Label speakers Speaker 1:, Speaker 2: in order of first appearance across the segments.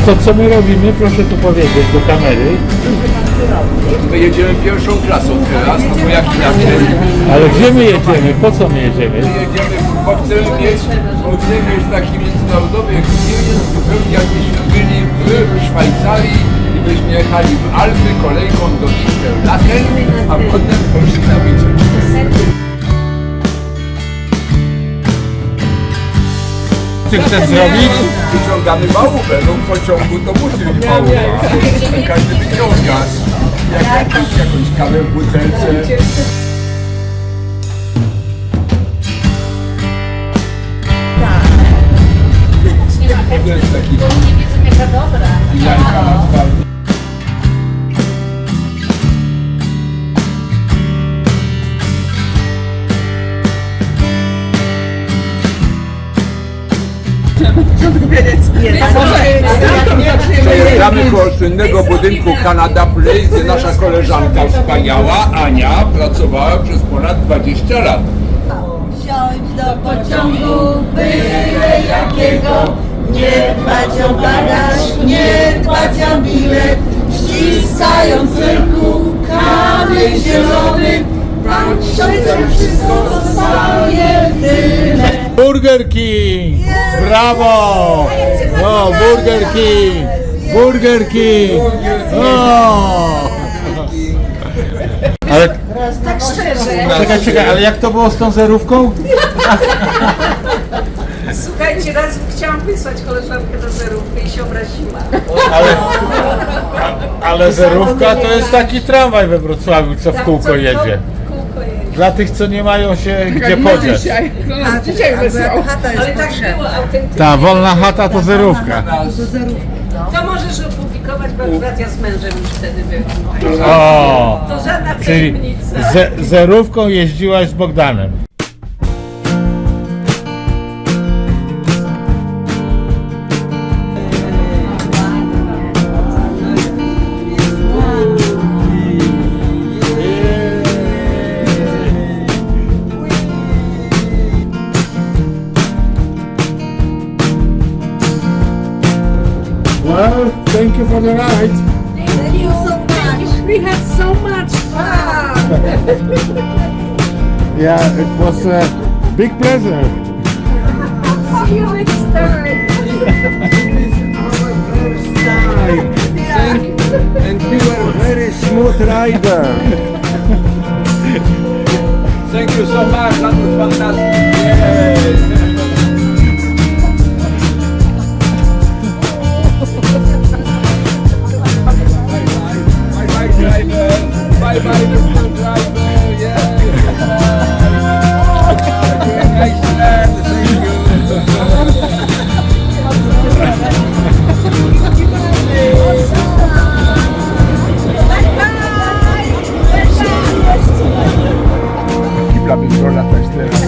Speaker 1: to co my robimy, proszę tu powiedzieć do kamery.
Speaker 2: My jedziemy pierwszą klasą teraz, no bo jak inaczej.
Speaker 1: Ale gdzie my jedziemy? Po co my jedziemy?
Speaker 2: My jedziemy, bo chcemy mieć taki międzynarodowy experience, zupełnie jakbyśmy byli w Szwajcarii i byśmy jechali w Alpy kolejką do Interlaken, a potem poszli na wycieczkę.
Speaker 1: Ty chcesz zrobić?
Speaker 2: Wyciągamy małówę, no w pociągu to musi być małówa. Każdy wyciąga. Jakąś kawę w butelce. To jest taki
Speaker 3: Nie wiedzą jaka dobra.
Speaker 2: jajka na twarzy. Przejeżdżamy koło słynnego budynku Canada Place, gdzie nasza koleżanka wspaniała, Ania, pracowała przez ponad 20 lat.
Speaker 4: Wsiąść do pociągu, byle jakiego, nie dbać o bagaż, nie dbać o bilet, ściskając ręku kamień zielony, patrząc wszystko zostaje w tyle.
Speaker 1: Burger King! Brawo! No, Burger King! Burger King! O! Ale
Speaker 3: Tak szczerze.
Speaker 1: czekaj, ale jak to było z tą zerówką?
Speaker 3: Słuchajcie, raz chciałam wysłać koleżankę do zerówki i się obraziła.
Speaker 1: Ale zerówka to jest taki tramwaj we Wrocławiu, co w kółko jedzie.
Speaker 3: Kółko jedzie.
Speaker 1: Dla tych, co nie mają się gdzie podziać.
Speaker 4: Dzisiaj wysłał.
Speaker 3: Ale tak było autentycznie.
Speaker 1: Ta wolna chata to zerówka.
Speaker 3: To możesz opublikować, bo akurat ja z mężem już wtedy byłam.
Speaker 1: O!
Speaker 3: To żadna
Speaker 1: Czyli
Speaker 3: tajemnica.
Speaker 1: zerówką jeździłaś z Bogdanem. Well, thank you for the ride.
Speaker 4: Thank you so much.
Speaker 3: We had so much fun.
Speaker 1: Yeah, it was a big pleasure.
Speaker 3: See you next time.
Speaker 2: And you were
Speaker 1: Very smooth rider.
Speaker 2: Thank you so much, that was fantastic. Yes. Bye-bye, driver. Bye-bye, Mr. Driver. Yes. Excellent. Kibla by było latać teraz.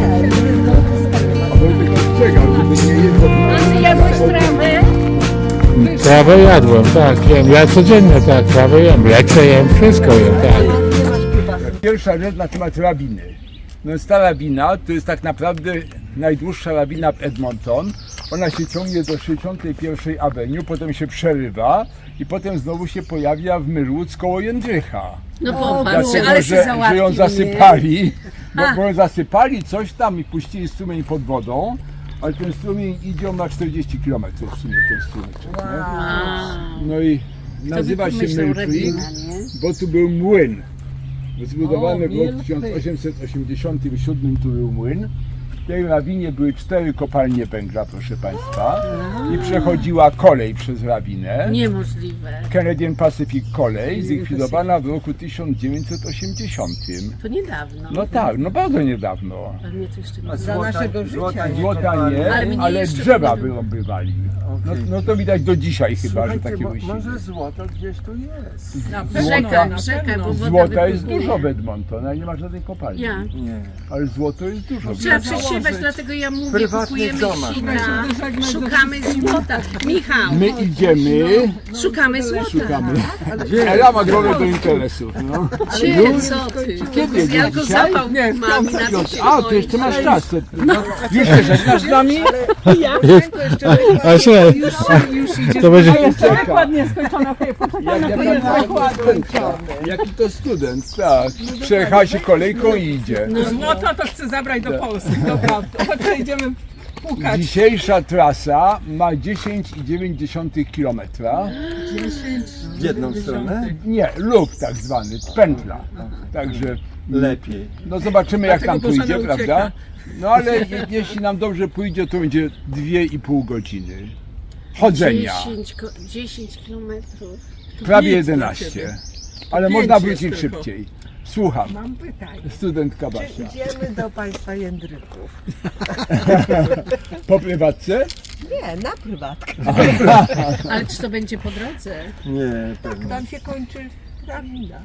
Speaker 2: A bo tylko czekał, żeby nie jeździł.
Speaker 3: Ty jadłeś trawę?
Speaker 1: Trawę jadłem, tak, jem. Ja codziennie tak, trawę jem. Leczę jem, wszystko jem, tak.
Speaker 2: Pierwsza rzecz na temat lawiny. No jest ta lawina to jest tak naprawdę najdłuższa lawina w Edmonton. Ona się ciągnie do 61 Avenue, potem się przerywa i potem znowu się pojawia w Myrwód koło Jędrzycha.
Speaker 3: No popatrz,
Speaker 2: Dlatego,
Speaker 3: ale się
Speaker 2: że
Speaker 3: załatwi.
Speaker 2: ją zasypali, bo zasypali coś tam i puścili strumień pod wodą, ale ten strumień idzie na 40 km w sumie ten strumyczek, nie? No i nazywa się Mill Creek, bo tu był młyn. Zbudowany w roku 1887 tu był młyn. W tej lawinie były 4 kopalnie węgla, proszę Państwa, i przechodziła kolej przez lawinę.
Speaker 3: Niemożliwe.
Speaker 2: Canadian Pacific kolej, zlikwidowana w roku 1980.
Speaker 3: To niedawno.
Speaker 2: No tak, no bardzo niedawno.
Speaker 3: Ale mnie to jeszcze nie
Speaker 4: Za naszego życia.
Speaker 2: Złota nie,
Speaker 3: Ale mnie
Speaker 2: ale
Speaker 3: jeszcze
Speaker 2: drzewa
Speaker 3: nie było.
Speaker 2: wyrąbywali. No to widać do dzisiaj chyba, że takie wysiłki.
Speaker 5: Może złoto gdzieś tu jest.
Speaker 3: Rzeka, bo woda
Speaker 2: Złota jest
Speaker 3: wypłynie.
Speaker 2: dużo w Edmonton, ale nie ma żadnej kopalni.
Speaker 3: Ja.
Speaker 5: Nie.
Speaker 2: Ale złoto jest dużo.
Speaker 3: Trzeba przejść się odpoczywać, dlatego ja mówię,
Speaker 5: prywatnych
Speaker 3: kupujemy
Speaker 5: domach.
Speaker 3: sita, szukamy złota. Michał,
Speaker 2: My idziemy,
Speaker 3: szukamy złota.
Speaker 2: szukamy. Ela ma drogę do interesów. No.
Speaker 3: Gdzie, co ty?
Speaker 2: Kiedy?
Speaker 3: Ja go
Speaker 2: Dzisiaj?
Speaker 3: zapał
Speaker 2: Nie, w
Speaker 3: mam
Speaker 2: piątek.
Speaker 3: na to się
Speaker 2: A, to
Speaker 3: boję.
Speaker 2: jeszcze masz czas. Już się żegnasz z nami?
Speaker 1: A słuchaj, to będzie...
Speaker 6: Dokładnie skończona
Speaker 2: Jaki to student, tak. Przejechała się kolejką i idzie.
Speaker 6: Złoto to chcę zabrać do Polski, dobra. Chodź, idziemy pukać.
Speaker 2: Dzisiejsza trasa ma 10,9 km.
Speaker 5: W jedną stronę?
Speaker 2: Nie, lub tak zwany, pętla. Także
Speaker 5: Lepiej.
Speaker 2: no zobaczymy jak nam
Speaker 6: Dlatego
Speaker 2: pójdzie,
Speaker 6: Bożena
Speaker 2: prawda?
Speaker 6: ucieka.
Speaker 2: No ale jeśli nam dobrze pójdzie, to będzie 2,5 godziny chodzenia.
Speaker 3: 10 kilometrów.
Speaker 2: Prawie
Speaker 6: nic dla
Speaker 2: 11.
Speaker 6: ciebie.
Speaker 2: Ale
Speaker 6: 5
Speaker 2: można
Speaker 6: jest
Speaker 2: wrócić
Speaker 6: tylko.
Speaker 2: szybciej. Słucham,
Speaker 6: Mam pytanie.
Speaker 2: studentka Basia.
Speaker 4: Idziemy do państwa Jędryków.
Speaker 2: Po prywatce?
Speaker 4: Nie, na prywatkę.
Speaker 3: Ale czy to będzie po drodze?
Speaker 5: Nie, pewnie.
Speaker 4: Tam się kończy prawda.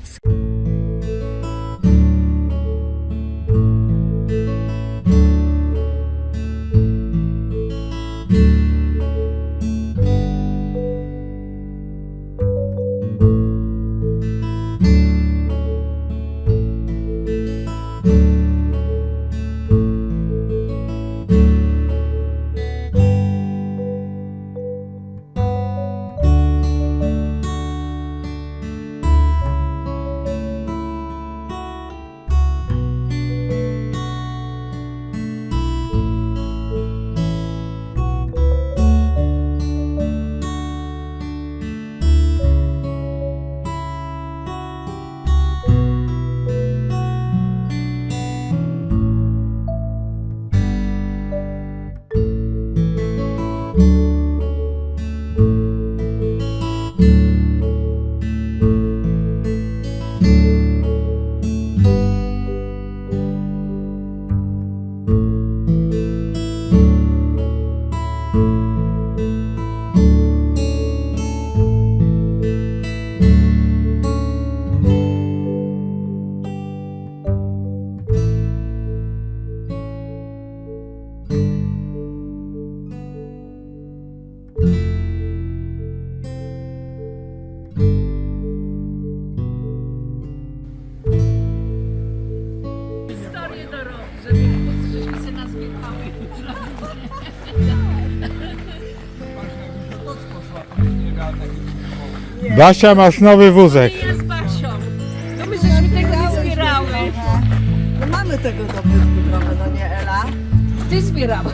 Speaker 3: Historię do roku, żebyśmy się nazbierały.
Speaker 1: Basia, masz nowy wózek.
Speaker 3: Ja z Basią. To my żeśmy tego nie zbierały.
Speaker 4: No mamy tego dopytku trochę, no nie Ela?
Speaker 3: Ty zbierałaś.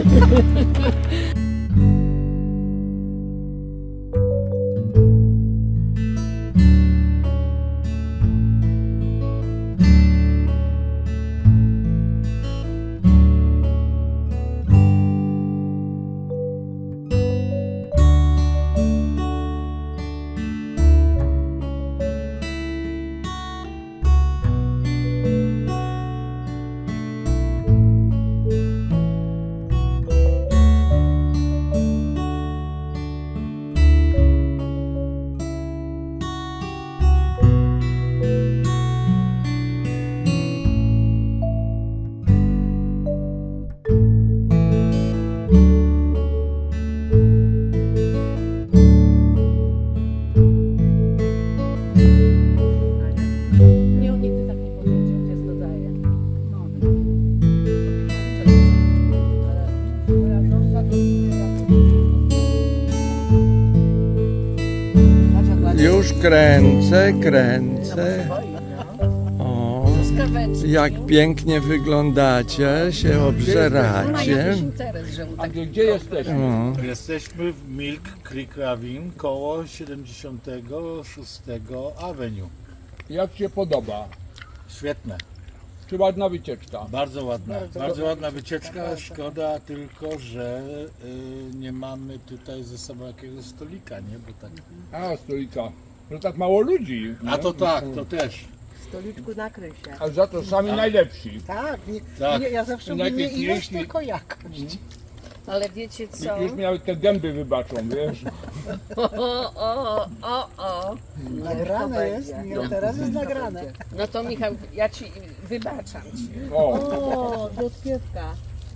Speaker 3: Nie, on nigdy tak nie powiedział, gdzie to daje.
Speaker 5: Już kręcę, kręcę. O,
Speaker 3: Skaweczki.
Speaker 5: jak pięknie wyglądacie, się obżeracie.
Speaker 3: Jakiś interes, że mu
Speaker 2: A
Speaker 3: tak
Speaker 2: gdzie jesteśmy?
Speaker 5: O,
Speaker 7: Jesteśmy w Milk Creek Ravine koło 76 Avenue.
Speaker 2: Jak Ci się podoba?
Speaker 7: Świetne,
Speaker 2: Czy ładna wycieczka?
Speaker 7: bardzo ładna. Bardzo ładna wycieczka. Szkoda tylko, że nie mamy tutaj ze sobą jakiegoś stolika, nie? Bo tak...
Speaker 2: A, stolika. Że tak mało ludzi.
Speaker 7: A
Speaker 2: nie?
Speaker 7: to tak, to też.
Speaker 4: Stoliczku nakryj się.
Speaker 2: A za to sami najlepsi.
Speaker 4: Tak,
Speaker 7: Tak.
Speaker 4: ja zawsze mówię nie ilość,
Speaker 2: Najpiękniejsi.
Speaker 4: tylko jakość.
Speaker 3: Ale wiecie co?
Speaker 2: Już miały te gęby wybaczą, wiesz?
Speaker 3: O.
Speaker 4: Nagrane jest, teraz jest nagrane.
Speaker 3: No to Michał, ja ci wybaczam ci.
Speaker 2: O,
Speaker 4: O, do odpiewka.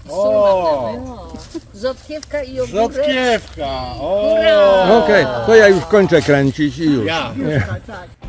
Speaker 7: O!
Speaker 3: Rzodkiewka i ogórek.
Speaker 7: Rzodkiewka! O!
Speaker 5: Okej, to ja już kończę kręcić i już.
Speaker 7: Ja.
Speaker 4: Tak.